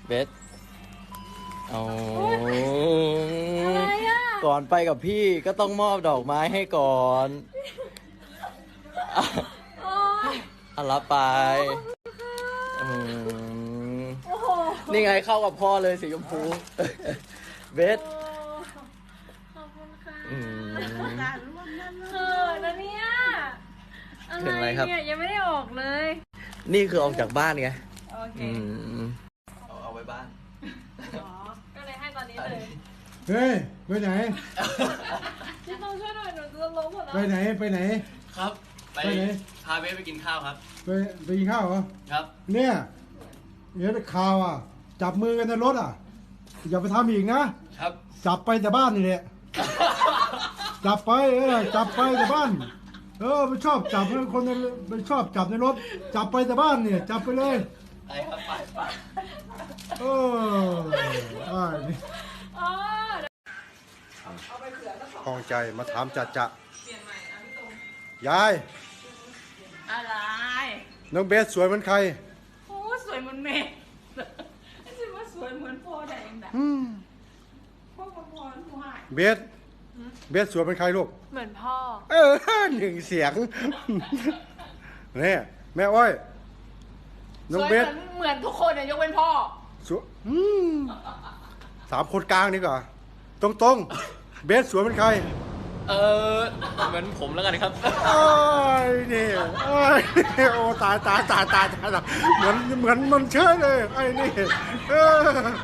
เบสเอาอะไรอ่ะก่อนไปกับพี่ก็ต้องมอบดอกไม้ให้ก่อนเอารับไปโอ้โหนี่ไงเข้ากับพ่อเลยสีชมพูเบสขอบคุณค่ะอืมเขินนะเนี่ยอะเขินอะไรครับเนี่ยยังไม่ได้ออกเลยนี่คือออกจากบ้านไงโอเคเอาไว้บ้านอ๋อก็เลยให้ตอนนี้เลยเฮ้ยไปไหนพี่ต้องช่วยหน่อยหนูจะล้มหมดแล้วไปไหนไปไหนครับไปไปไหนพาเบสไปกินข้าวครับไปกินข้าวเหรอครับเนี่ยเดี๋ยวข่าวอ่ะ จับมือกันในรถอ่ะอย่าไปทำอีกนะครับ จับไปแต่บ้านนี่แหละจับไปจับไปแต่บ้านไม่ชอบจับคนไม่ชอบจับในรถ จับไปแต่บ้านเนี่ยจับไปเลยไปครับไปเออนี่อ๋อห้องใจมาถามจัดจะยายอะไรน้องเบสสวยเหมือนใครโอ้สวยเหมือนเมย์ไม่ใช่ว่าสวยเหมือนพ่อแดงนะพ่อกับพ่อผู้หายเบสสวยเป็นใครลูกเหมือนพ่อหนึ่งเสียงเนี่ยแม่อ้อยน้องเบสเหมือนทุกคนเนี่ยยกเว้นพ่อสวยสามคนกลางดีกว่าตรงๆเบสสวยเป็นใครเหมือนผมแล้วกันครับโอ้ยนี่โอ้ยโอ้ตายเหมือนมันเชื่อเลยไอ้นี่